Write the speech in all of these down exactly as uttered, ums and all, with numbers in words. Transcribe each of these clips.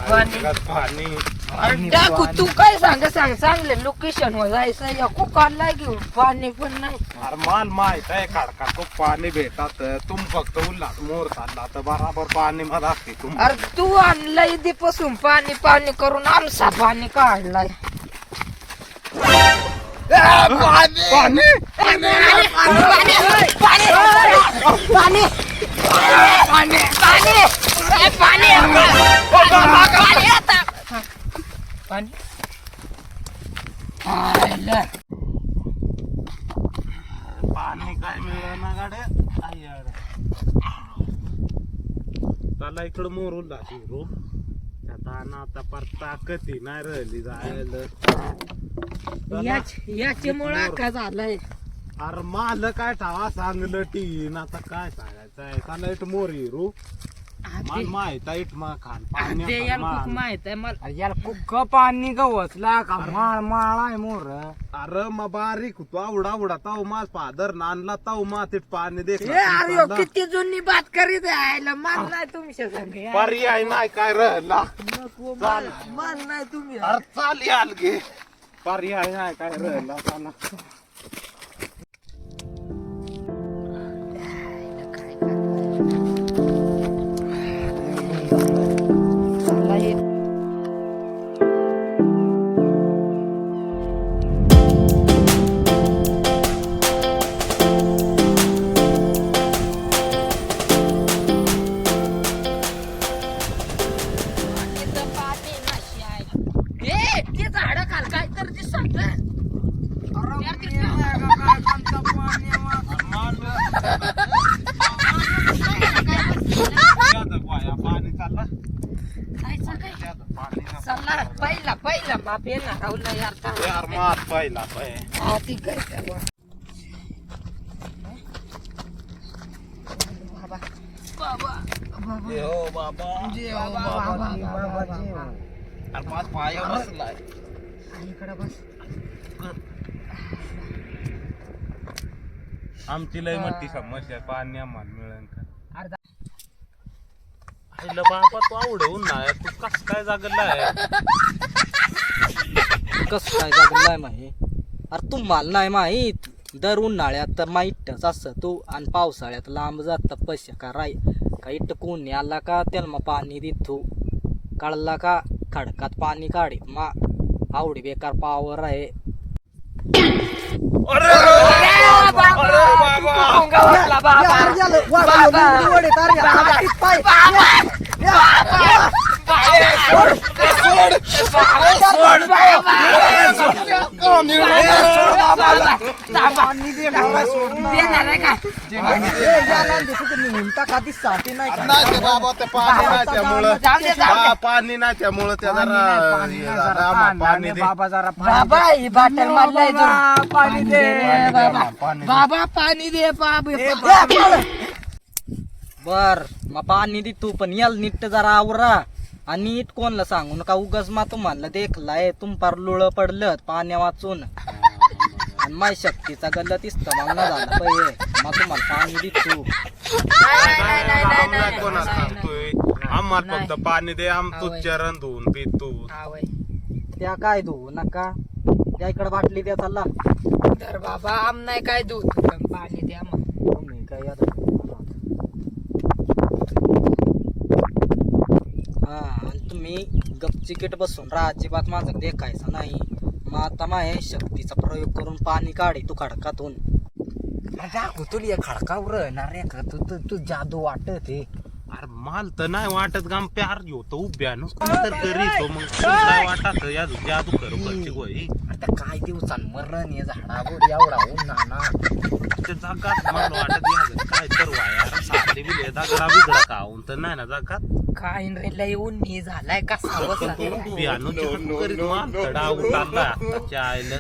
पाणी पाणी टाकू तू काय सांग सांग चांगले लोकेशन वर जायचं या कुकारला घेऊन पाणी पण नाही. अरे मान माहित आहे खडका तो पाणी भेटत तुम फक्त उल्हास मोर चालला तर बराबर पाणी मला असते तुम. अरे तू आणलंय दीपासून पाणी पाणी करून आमचा पाणी काढलाय. पाणी पाणी पाणी काय मिळणार गाड्या त्याला इकडं मोर उल्हास हिरो आता ना आता परता कधी नाही राहिली जायला. याच्यामुळे का झालंय. अरे माल काय ठावा सांगलं टीन आता काय सांगायचंय त्याला इट मोर हिरो मला माहित आहे इट मा खान ते याला खूप माहित आहे मला. याला कुक पाणी गवसला का माळ माळ आहे मोर. अरे मग बारीक होतो आवडा आवडा ताव माझ फादर नानला ताव मातीत पाणी दे ए, अरे ह्यो किती जुनी बात करीत आहे मान नाही तुमच्या संग यार. पर्याय नाही काय राहिला नको, मान मान नाही तुम्ही. अरे चाल याल गे पर्याय नाही काय राहिला त्याला. पहिला पहिला बाप येणार राहुल यार यार मात पहिला पाय हा ठीक आहे बाबा बाबा बाबा ये हो बाबा जे हो बाबा बाबा अरे पाच पाय बसलाय इकडे बस. आमची लय मोठी समस्या पाणी आम्हाला मिळेल का. अर्धा आईला बाबा तू आवडवून नाही तू कस काय जागलाय कस काय जगलाय माही. अरे तुम्हाला नाही माहीत दर उन्हाळ्यात तर माहीतच असं तू आणि पावसाळ्यात लांब जात पैसे का राय का इट कोणी आला का त्याला मग पाणी देतो काढला का खडकात पाणी काढीत मा आवडी बेकार पावर आहे. पाणी नाही त्यामुळं त्या जरा पाणी दे बाबा जरा बाबा ही बाटल मारलाय पाणी दे बाबा पाणी दे बाबा. बर मग पाणी दे तू पण याल नीट जरा आवरा आणि नीट कोणला सांगू नका उगाच मा तुम्हाला देखलाय तुम पार लुळ पडलं पाण्या वाचून आणि माय शक्तीचा गल्लत इस्त मग ना झाला पाहिजे मग तुम्हाला पाणी दे तू. कोणाला सांगतोय आम्हाला फक्त पाणी दे आम तू चरण धुवून पी तू. त्या काय धुवू नका त्या इकडे बाटली द्या चालला तर बाबा आम नाही काय दूध पण पाणी द्या मग. तुम्ही काय आता हा आणि तुम्ही गपचिकीट बसून राहा अजिबात माझं देखायचं नाही. मग आता माय शक्तीचा प्रयोग करून पाणी काढे तू खडकातून. दाखव तुला खडकावर रे तू तू तू जादू वाटत हे. अरे माल तर नाही वाटत गाम प्यार घेतो उभ्या तर करीतो मग काय वाटत या जादू करू करची गोई. आता काय दिवसान मरण हे झाडावर एवढा उन्हाळा ते जगात मला वाटत या काय तर वाया साधे बिले दगडा बिगडा काऊन तर नाही ना जगात काय रे लय उन्ही झालाय कसा बसा. बियाणू चिकन करीत माल तडा उतारला आताच्या आईला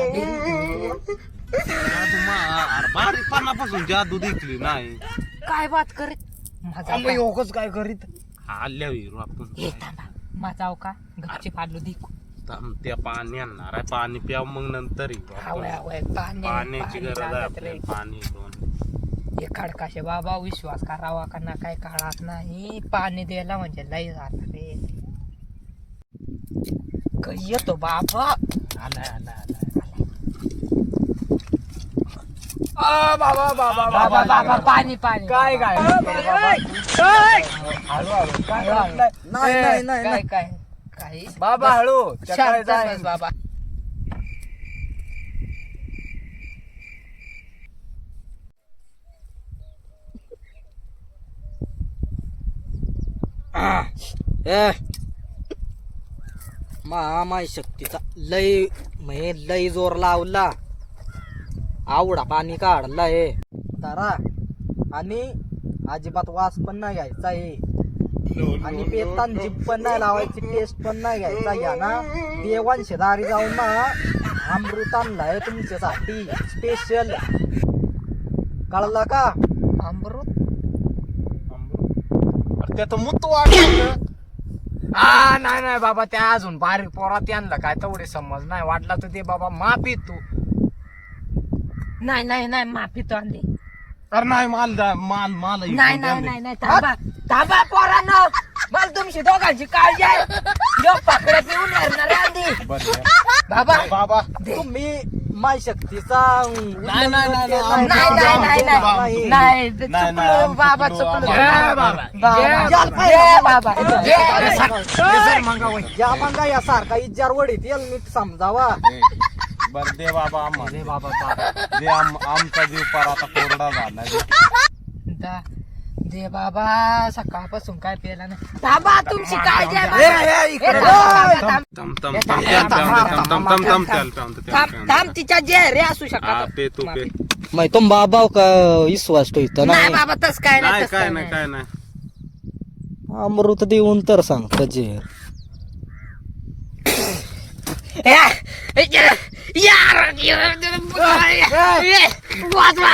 जादू मार बारीकपणापासून जादू दिसली नाही. काय बात करीत माझा योगच काय करीत आल्या विरू आपण हे थांबा माझा का गच्ची पाडलो दिकू थांब, त्या पाणी आणणार आहे पाणी प्याव मग नंतर येऊ आपण. हवय हवय पाणी पाण्याची पाणी गरज आहे लागत रे. आपल्याला पाणी दोन हे खडकाशे बाबा विश्वास करावा का ना काय काळात नाही पाणी द्यायला म्हणजे लय झाला रे. काही येतो बाबा. आलाय आलाय आलाय आ, बाबा बाबा बाबा बाबा पाणी पाणी. काय काय हळू हळू काय हळू. नाही नाही नाही काय नाही. काय काही बाबा हळू त्या काय शांत जाय. बस बाबा. ए मामाय शक्तीचा लय म्हणजे लय जोर लावला. आवडा पाणी काढला हे तारा आणि अजिबात वास पण नाही घ्यायचा हे आणि पेतान जीभ पण नाही लावायची, टेस्ट पण नाही घ्यायचा. या ना देवांशी दारी जाऊन ना अमृत आणलाय तुमच्यासाठी स्पेशल, कळला का? अमृत अरे त्यात मुत वाटत. हा नाही नाही बाबा, त्या अजून बारीक पोरात आणलं काय तेवढे समज नाही वाटला तर ते बाबा माफी तू. नाही नाही नाही माफी तो आणली. अरे नाही माल द्या, माल माल इकडून नाही द्या नाही दे. नाही नाही थांबा थांबा पोरांनो, मला तुमची दोघांची काळजी आहे. यो पाकडे पिऊन येणार आधी बरं बाबा. बाबा तुम्ही माय शक्तीचा नाही, नाही, नाही, नाही. नाही नाही नाही नाही नाही ते नाही, नाही, चुकलं आमचं बाबा चुकलं, चुकलं. आम्हाला- जय बाबा बाबा. जय बाबा जय या मंगा या सारखा इजार वडीत येल नीट समजावा. बर दे बाबा आम्हाला दे बाबा बाबा. दे आम- आमचा जीव पार आता कोरडा झाला दा- दे बाबा सकाळपासून काय पेला नाही. थांबा तुमची काळजी आहे ए, बाबा. ए, ए, इकडे थांब, थांब, थांब. तम तम तम तम तम तम तम तम त्याल प्याऊन दे, त्याल थांब प्याऊन थांब दे. तिच्या जे रे असू हा शकत पे तू पे मै तुम बाबा का विश्वास ठेवतो नाही नाही. बाबा तस काय नाही नाही तस काय काय नाही नाही. काय नाही अमृत देऊन तर सांगत जेर. या- या- यार वाचवा.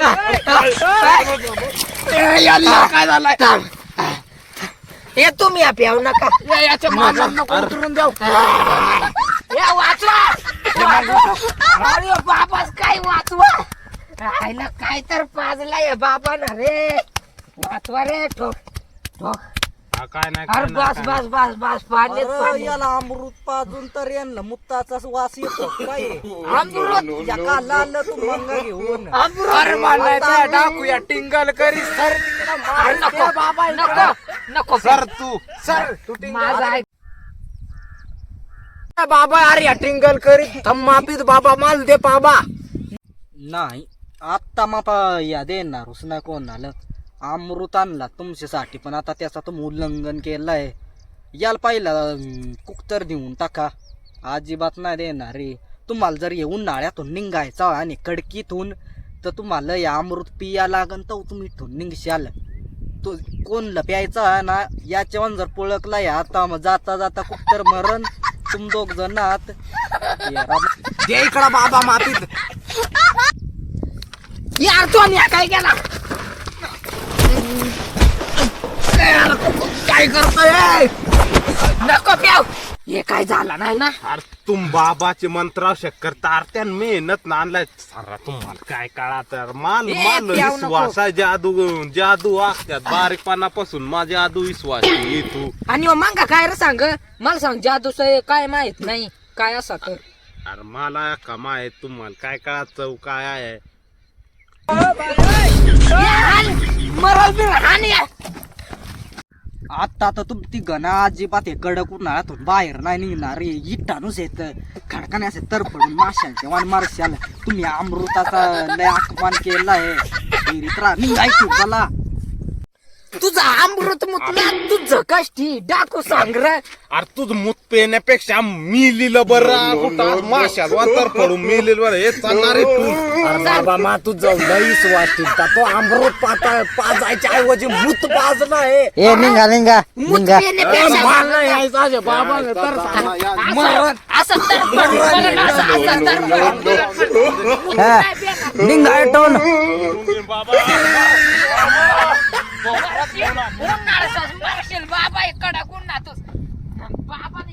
काय झालाय? हे तुम्ही या प्याऊ नका. याच्या मागं नको उतरून द्याव. हे वाचवा. अरे बाबाच काय वाचवा. राहिला काय तर पाजला या बाबा ना रे. वाचवा रे ठोक ठोक. हा काय नाही अरे काय नाही, बस काय बस बस बस पाणी अरे, पाणी. याला अमृत पाजून तर यांना मुत्ताचा वास येतो काय? अमृत या का लाल तू मंगा घेऊन. अमृत मारलाय टाकूया टिंगल करी सर अरे नको बाबा नको नको नाही. सर तू सर तू माझा ऐक. बाबा अरे या टिंगल करी थम मापीत बाबा माल दे बाबा. नाही आता मापा या देणार उसना कोण आलं. अमृत आणला तुमच्यासाठी पण आता त्याचा तुम्ही उल्लंघन केलंय. याला पहिला कुकतर देऊन टाका. अजिबात नाही देणार रे. तुम्हाला जर येऊन उन्हाळ्यातून निघायचा आणि कडकीतून तर तुम्हाला या अमृत पिया लागन तर तुम्ही इथून निघशाल. तो कोणला प्यायचा ना याच्यावर जर पळकला या आता मग जाता जाता कुकतर मरण तुम दोघ जण आहात. दे इकडं बाबा मातीत. यार तो आणि काय केला. काय करतोय? नको प्याव. हे काय झालं नाही ना. अरे तुम बाबाचे मंत्राव शक्कर तारत्यान मेहनत नांदलाय सारा तुम्हाला काय काळा तर माल ए, माल प्याऊ विश्वास आहे. जादू जादू वागत्यात बारीकपणापासून माझा जादू विश्वास आहे तू. आणि मग मांगा काय रे सांग. मला सांग जादू काय माहित नाही काय असा तर. अरे मला कमा आहे तुम्हाला काय काळा चव काय आहे. मरल बिर हानी. आता तर तुमची गणा अजिबात हे कडक उन्हाळ्यातून बाहेर नाही निघणार रे. इटानूच येत खडकाने असे तर पडून माशांचे वाण मारशाल. तुम्ही अमृताचा लय अपमान केलाय. निघायची मला तुझा अमृत मुतला तुझं कष्टी डाकू सांग रे. अरे तुझं मूत पेण्यापेक्षा मी लिहिलं बरं कुठं माशात वांतर पडून मी लिहिलं बरं हे चालणार आहे तू. बाबा मा तुझं लईच वाटतील तो अमृत पाता पाजायच्या ऐवजी मूत पाजला आहे. ए निघा निघा मूत पिण्यापेक्षा बाबा मरण असं तर मरण असं असं तर निघा टोन उन्हाळ्याचं मारशील बाबा कडक उन्हातच बाबा